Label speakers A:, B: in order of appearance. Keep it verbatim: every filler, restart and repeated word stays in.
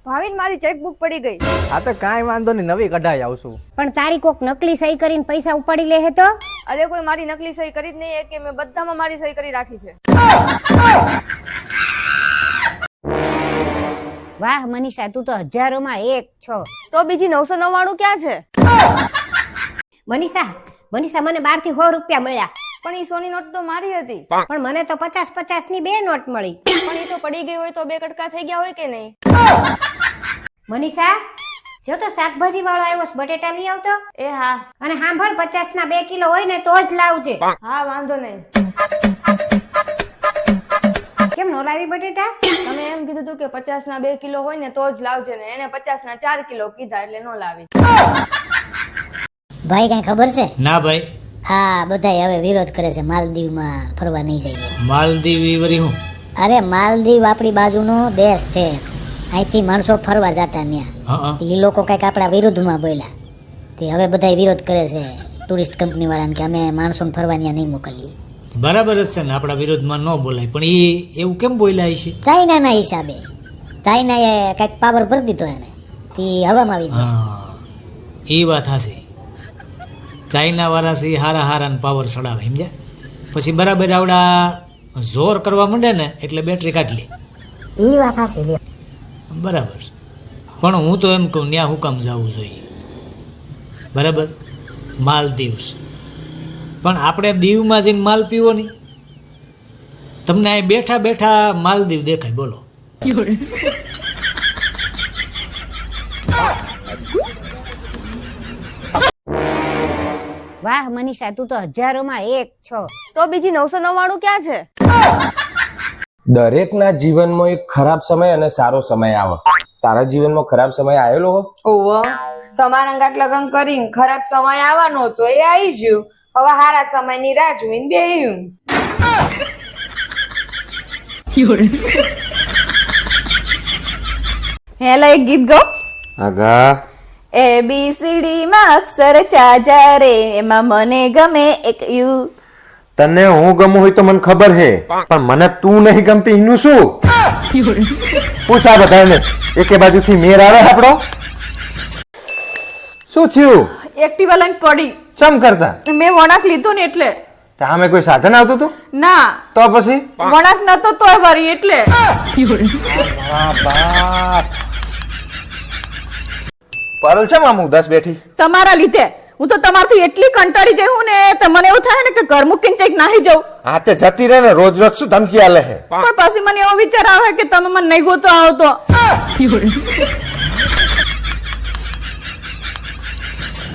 A: ભાવિન મારી ચેકબુક પડી ગઈ.
B: હા તો કાંઈ વાંધો નહીં, નવી કઢાઈ આવશું.
C: પણ તારી કોક નકલી સહી કરીને પૈસા ઉપાડી લે હે તો?
A: અરે કોઈ મારી નકલી સહી કરી જ નહીં કે મેં બધામાં મારી સહી કરી રાખી છે.
C: વાહ મનીષા, તું તો હજારોમાં એક છો.
A: તો બીજી નવસો નવ્વાણું ક્યાં છે?
C: મનીષા મનીષા મને બાર થી સો રૂપિયા મળ્યા.
A: પણ ઈ સોની નોટ તો મારી હતી.
C: પણ મને તો પચાસ પચાસ ની બે નોટ મળી.
A: પણ ઈ તો પડી ગઈ હોય તો બે કટકા થઈ ગયા હોય કે નહીં?
C: મનીષા જો તો શાકભાજી વાળો આવ્યો છે, બટેટા લઈ આવતો.
A: એ હા.
C: અને સાંભળ, પચાસ ના બે કિલો હોય ને તો જ લાવજે.
A: હા વાંધો નહીં.
C: કેમ નો લાવી બટેટા?
A: તમે એમ કીધું તું કે પચાસ ના બે કિલો હોય ને તો જ લાવજે ને એને પચાસ ના ચાર કિલો કીધા એટલે નો લાવી.
D: ભાઈ કઈ ખબર છે?
E: ના ભાઈ.
D: હા બધા હવે વિરોધ કરે છે માલદીવમાં ફરવા નહીં જઈએ.
E: માલદીવ ઈ વરી હું?
D: અરે માલદીવ આપણી બાજુનો દેશ છે, અહીંથી માણસો ફરવા જતા ત્યાં.
E: હા
D: એ લોકો કઈક આપણા વિરુદ્ધમાં બોલ્યા તે હવે બધા વિરોધ કરે છે ટુરિસ્ટ કંપની વાળાને કે અમે માણસોને ફરવા ત્યાં નહીં મોકલીએ.
E: બરાબર જ છે ને, આપણા વિરોધમાં ન બોલાય, પણ એ એવું કેમ બોલાય છે?
D: ચાઇનાના હિસાબે ચાઇનાએ કઈક પાવર ભરી દીધો એને, તે હવામાં આવી ગયા.
E: હા એ વાત હાસી. ચાઇના વાળા છે હારા હારા પાવર ચડાવે સમજ્યા, પછી બરાબર આવડા જોર કરવા માંડે ને એટલે બેટરી કાઢી લે.
D: એ વાત હાચી લ્યો.
E: બરાબર છે, પણ હું તો એમ કહું ત્યાં હું કામ જવું જોઈએ? બરાબર માલદીવ છે, પણ આપણે દીવમાં જઈને માલ પીવો નહીં. તમને અહીં બેઠા બેઠા માલદીવ દેખાય, બોલો.
C: વાહ મનીષા, તું તો હજારોમાં એક છો.
A: તો બીજી નવસો નવ્વાણું ક્યાં છે?
F: દરેકના જીવનમાં એક ખરાબ સમય અને સારો સમય આવે. તારા જીવનમાં ખરાબ સમય આવેલો હો?
G: ઓવો, તમારા ગાંઠ લગન કરીને ખરાબ સમય આવવાનો હતો, એ આવી ગયું. હવે હારા સમયની રાહ જોઈને બેહ્યું.
A: હેલો, એક ગીત ગાઓ.
F: આગા
A: એ બી સી ડી માં અક્ષર ચાજા રે, એમાં મને ગમે એક યુ.
F: તને હું ગમું હોય તો મને ખબર હે, પણ મને તું નહીં ગમતી એનું શું? પૂછા બધાને એકે બાજુથી મેર આવે આપણો. શું થયું?
A: એક્ટિવા લઈને પડી.
F: ચમ કરતા?
A: મેં વળાંક લીધો ને એટલે.
F: સામે કોઈ સાધન આવતું હતું?
A: ના,
F: તો પછી
A: વળાંક નતો તોય વરી એટલે.
F: પારુલ છે મામુ ઉદાસ બેઠી?
A: તમારા લીધે. હું તો તમારથી એટલી કંટાળી જઈ હું ને તો મને એવું થાય ને કે ઘર મૂકીને ચેક નાહી જાઉં.
F: હા તે જતી રહે ને, રોજ રોજ શું ધમકી આલે હે?
A: પણ પછી મને એવો વિચાર આવે કે તમે મને નહીં ગોતો આવો તો.